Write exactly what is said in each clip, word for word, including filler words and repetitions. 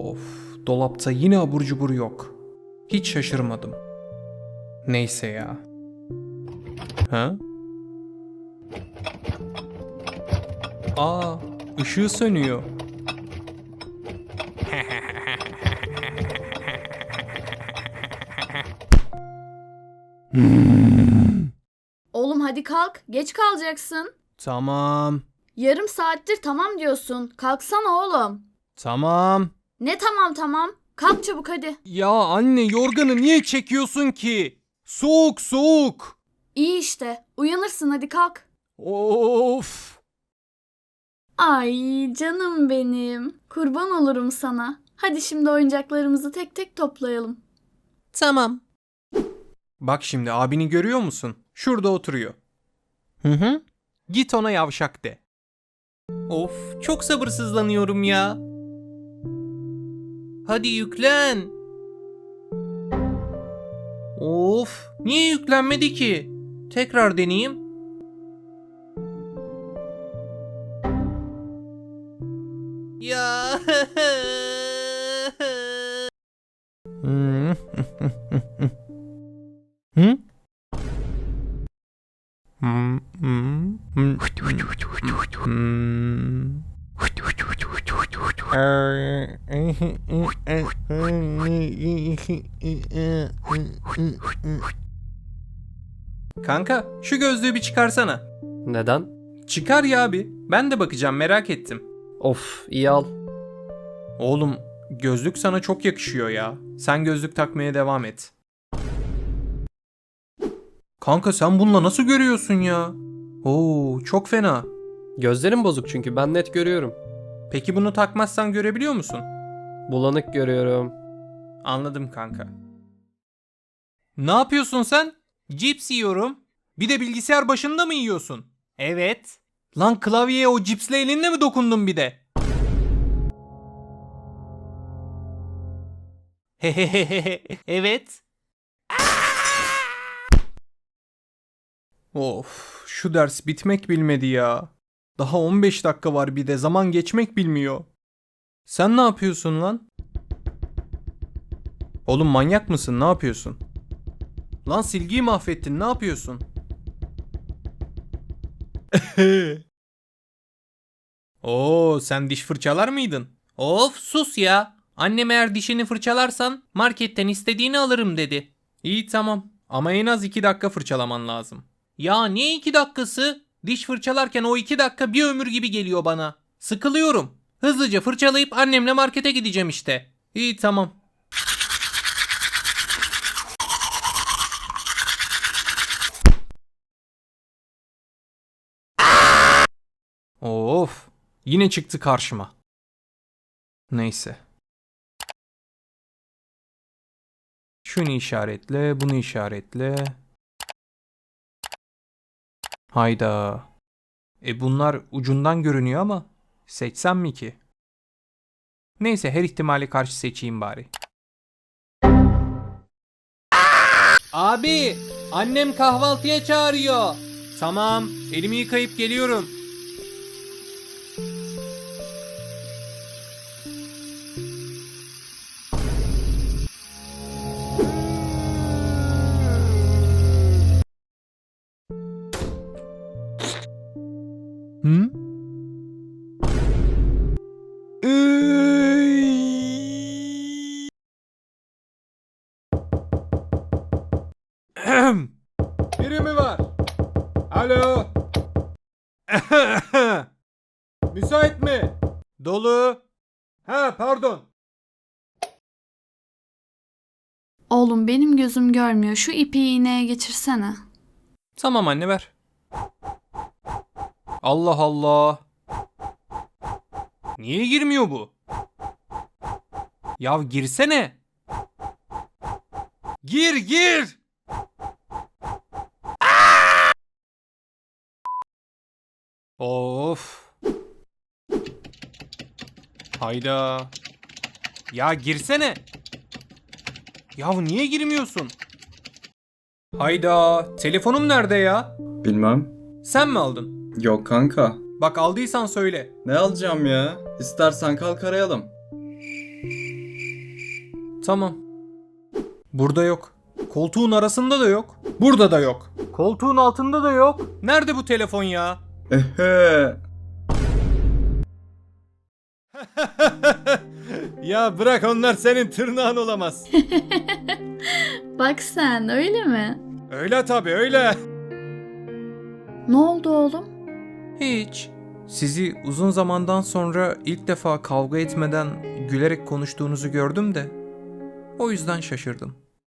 Of, dolapta yine abur cubur yok. Hiç şaşırmadım. Neyse ya. Ha? Aa, ışığı sönüyor. Oğlum hadi kalk. Geç kalacaksın. Tamam, Yarım saattir tamam diyorsun. Kalksana oğlum. tamam. Ne tamam tamam. Kalk çabuk hadi. Ya anne, yorganı niye çekiyorsun ki? Soğuk soğuk. İyi işte. Uyanırsın hadi kalk. Of. Ay canım benim. Kurban olurum sana. Hadi şimdi oyuncaklarımızı tek tek toplayalım. Tamam. Bak şimdi abini görüyor musun? Şurada oturuyor. Hı hı. Git ona yavşak de. Of, çok sabırsızlanıyorum ya. Hadi yüklen. Of, niye yüklenmedi ki? Tekrar deneyeyim. Ya. Hı? Hmm, hmm, hmm, hmm. Kanka, şu gözlüğü bir çıkarsana. Neden? Çıkar ya abi. Ben de bakacağım, merak ettim. Of, iyi al. Oğlum, gözlük sana çok yakışıyor ya. Sen gözlük takmaya devam et. Kanka sen bununla nasıl görüyorsun ya? Oo, çok fena. Gözlerim bozuk çünkü ben net görüyorum. Peki bunu takmazsan görebiliyor musun? Bulanık görüyorum. Anladım kanka. Ne yapıyorsun sen? Cips yiyorum. Bir de bilgisayar başında mı yiyorsun? Evet. Lan klavyeye o cipsle elinle mi dokundun bir de? Hehehehe. Evet. Of, şu ders bitmek bilmedi ya. Daha on beş dakika var, bir de zaman geçmek bilmiyor. Sen ne yapıyorsun lan? Oğlum manyak mısın? Ne yapıyorsun? Lan silgiyi mahvettin. Ne yapıyorsun? Oo, sen diş fırçalar mıydın? Of, sus ya. Annem eğer dişini fırçalarsan marketten istediğini alırım dedi. İyi tamam. Ama en az iki dakika fırçalaman lazım. Ya ne iki dakikası? Diş fırçalarken o iki dakika bir ömür gibi geliyor bana. Sıkılıyorum. Hızlıca fırçalayıp annemle markete gideceğim işte. İyi tamam. Of. Yine çıktı karşıma. Neyse. Şunu işaretle, bunu işaretle. Hayda. E bunlar ucundan görünüyor ama seçsem mi ki? Neyse, her ihtimale karşı seçeyim bari. Abi, annem kahvaltıya çağırıyor. Tamam, elimi yıkayıp geliyorum. Hı? Biri mi var? Alo? Müsait mi? Dolu. Ha, pardon. Oğlum benim gözüm görmüyor. Şu ipi iğneye geçirsene. Tamam anne, ver. Allah Allah. Niye girmiyor bu? Ya girsene. Gir gir. Of. Hayda. Ya girsene. Ya niye girmiyorsun? Hayda. Telefonum nerede ya? Bilmem. Sen mi aldın? Yok kanka. Bak aldıysan söyle. Ne alacağım ya? İstersen kalk arayalım. Tamam. Burada yok. Koltuğun arasında da yok. Burada da yok. Koltuğun altında da yok. Nerede bu telefon ya? Ehe. Ya bırak, onlar senin tırnağın olamaz. Bak sen, öyle mi? Öyle tabii, öyle. Ne oldu oğlum? Hiç. Sizi uzun zamandan sonra ilk defa kavga etmeden gülerek konuştuğunuzu gördüm de o yüzden şaşırdım.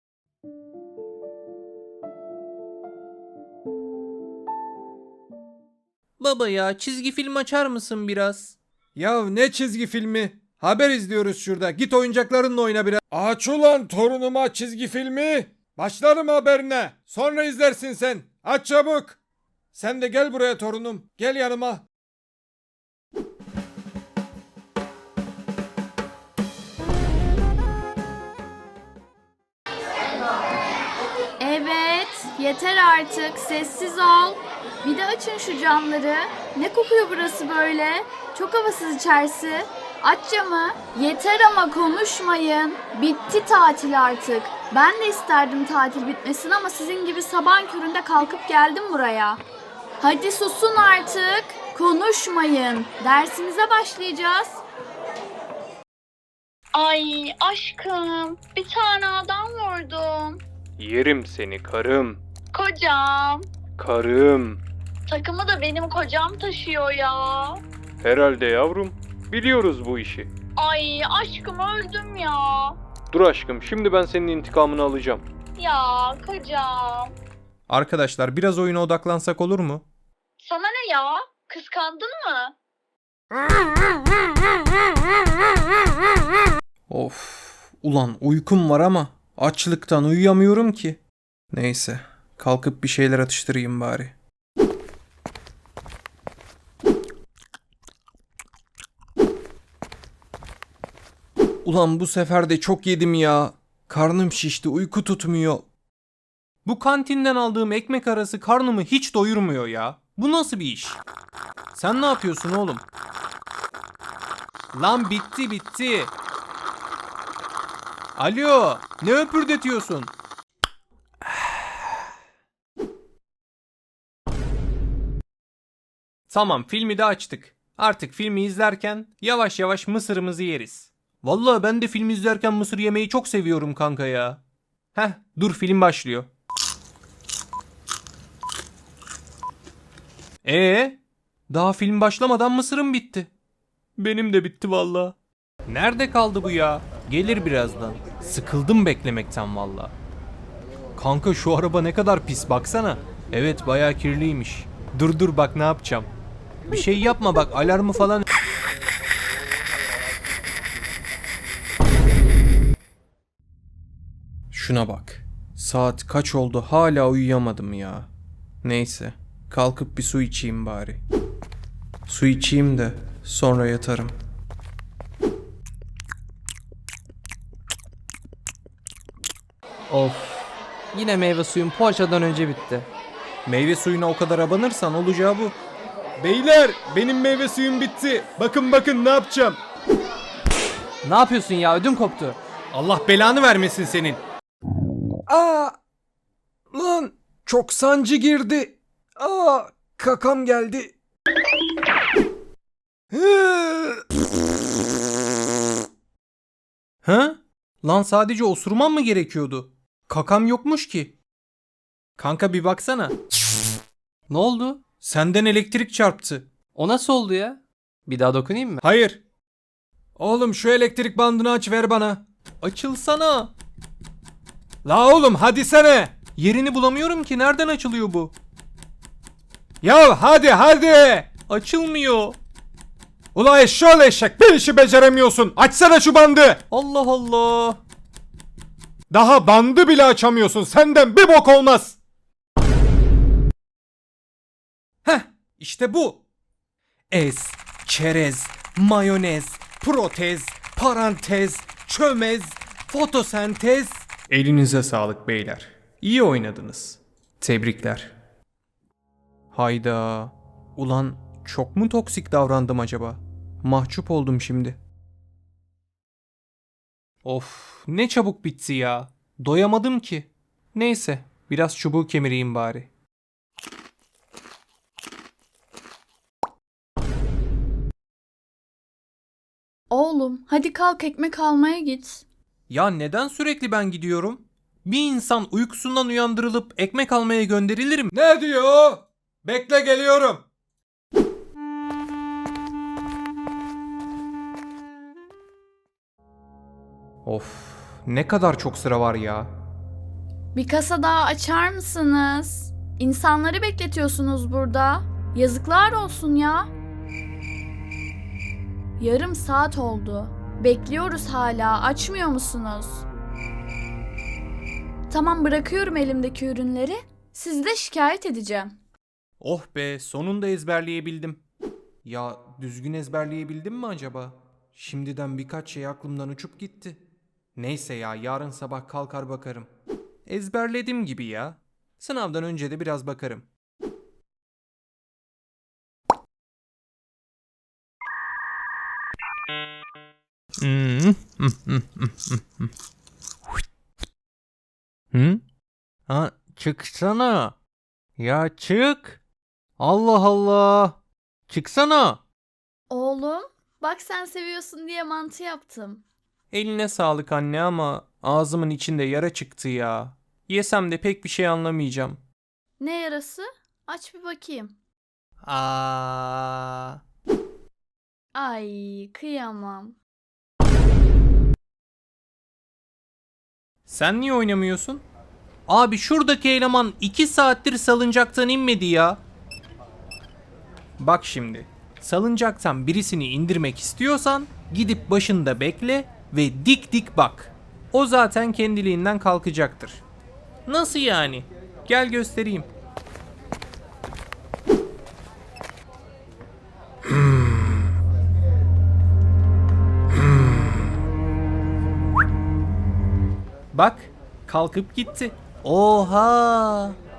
Baba ya, çizgi film açar mısın biraz? Ya ne çizgi filmi? Haber izliyoruz şurada. Git oyuncaklarınla oyna biraz. Aç ulan torunuma çizgi filmi. Başlarım haberine. Sonra izlersin sen. Aç çabuk. Sen de gel buraya torunum. Gel yanıma. Evet, yeter artık. Sessiz ol. Bir de açın şu camları. Ne kokuyor burası böyle? Çok havasız içerisi. Aç camı. Yeter ama konuşmayın. Bitti tatil artık. Ben de isterdim tatil bitmesin ama sizin gibi sabahın köründe kalkıp geldim buraya. Hadi susun artık. Konuşmayın. Dersimize başlayacağız. Ay aşkım, bir tane adam vurdum. Yerim seni karım. Kocam. Karım. Takımı da benim kocam taşıyor ya. Herhalde yavrum. Biliyoruz bu işi. Ay aşkım öldüm ya. Dur aşkım, şimdi ben senin intikamını alacağım. Ya kocam. Arkadaşlar, biraz oyuna odaklansak olur mu? Sana ne ya? Kıskandın mı? Of, ulan uykum var ama açlıktan uyuyamıyorum ki. Neyse, kalkıp bir şeyler atıştırayım bari. Ulan bu sefer de çok yedim ya. Karnım şişti, uyku tutmuyor. Bu kantinden aldığım ekmek arası karnımı hiç doyurmuyor ya. Bu nasıl bir iş? Sen ne yapıyorsun oğlum? Lan bitti bitti. Alo, ne öpürdetiyorsun? Tamam, filmi de açtık. Artık filmi izlerken yavaş yavaş mısırımızı yeriz. Vallahi ben de film izlerken mısır yemeyi çok seviyorum kanka ya. Heh, dur, film başlıyor. Ee, daha film başlamadan mısırım bitti. Benim de bitti vallahi. Nerede kaldı bu ya? Gelir birazdan. Sıkıldım beklemekten vallahi. Kanka şu araba ne kadar pis, baksana. Evet, bayağı kirliymiş. Dur dur, bak ne yapacağım. Bir şey yapma bak, alarmı falan... Şuna bak. Saat kaç oldu, hala uyuyamadım ya. Neyse, kalkıp bir su içeyim bari. Su içeyim de sonra yatarım. Of. Yine meyve suyum poğaçadan önce bitti. Meyve suyuna o kadar abanırsan olacağı bu. Beyler benim meyve suyum bitti. Bakın bakın ne yapacağım. Ne yapıyorsun ya? Ödüm koptu. Allah belanı vermesin senin. Aa! Lan çok sancı girdi. Aa! Kakam geldi. Ha? Lan sadece osurman mı gerekiyordu? Kakam yokmuş ki. Kanka bir baksana. Ne oldu? Senden elektrik çarptı. O nasıl oldu ya? Bir daha dokunayım mı? Hayır. Oğlum şu elektrik bandını aç ver bana. Açılsana. La oğlum hadi sene. Yerini bulamıyorum ki, nereden açılıyor bu? Ya hadi hadi. Açılmıyor. Ula eşşoğlu eşek bir işi beceremiyorsun. Açsana şu bandı. Allah Allah. Daha bandı bile açamıyorsun. Senden bir bok olmaz. Heh, işte bu. Ez, çerez, mayonez, protez, parantez, çömez, fotosentez. Elinize sağlık beyler. İyi oynadınız. Tebrikler. Hayda. Ulan çok mu toksik davrandım acaba? Mahcup oldum şimdi. Of, ne çabuk bitti ya. Doyamadım ki. Neyse, biraz çubuğu kemireyim bari. Oğlum hadi kalk ekmek almaya git. Ya neden sürekli ben gidiyorum? Bir insan uykusundan uyandırılıp ekmek almaya gönderilir mi? Ne diyor o? Bekle geliyorum. Of, ne kadar çok sıra var ya. Bir kasa daha açar mısınız? İnsanları bekletiyorsunuz burada. Yazıklar olsun ya. Yarım saat oldu. Bekliyoruz hala. Açmıyor musunuz? Tamam bırakıyorum elimdeki ürünleri. Sizi de şikayet edeceğim. Oh be, sonunda ezberleyebildim. Ya düzgün ezberleyebildim mi acaba? Şimdiden birkaç şey aklımdan uçup gitti. Neyse ya, yarın sabah kalkar bakarım. Ezberledim gibi ya. Sınavdan önce de biraz bakarım. Hı? Ha, çıksana. Ya çık. Allah Allah. Çıksana. Oğlum, bak sen seviyorsun diye mantı yaptım. Eline sağlık anne ama ağzımın içinde yara çıktı ya. Yesem de pek bir şey anlamayacağım. Ne yarası? Aç bir bakayım. Aa. Ay, kıyamam. Sen niye oynamıyorsun? Abi şuradaki eleman iki saattir salıncaktan inmedi ya. Bak şimdi. Salıncaktan birisini indirmek istiyorsan gidip başında bekle ve dik dik bak. O zaten kendiliğinden kalkacaktır. Nasıl yani? Gel göstereyim. Bak, kalkıp gitti. Oha!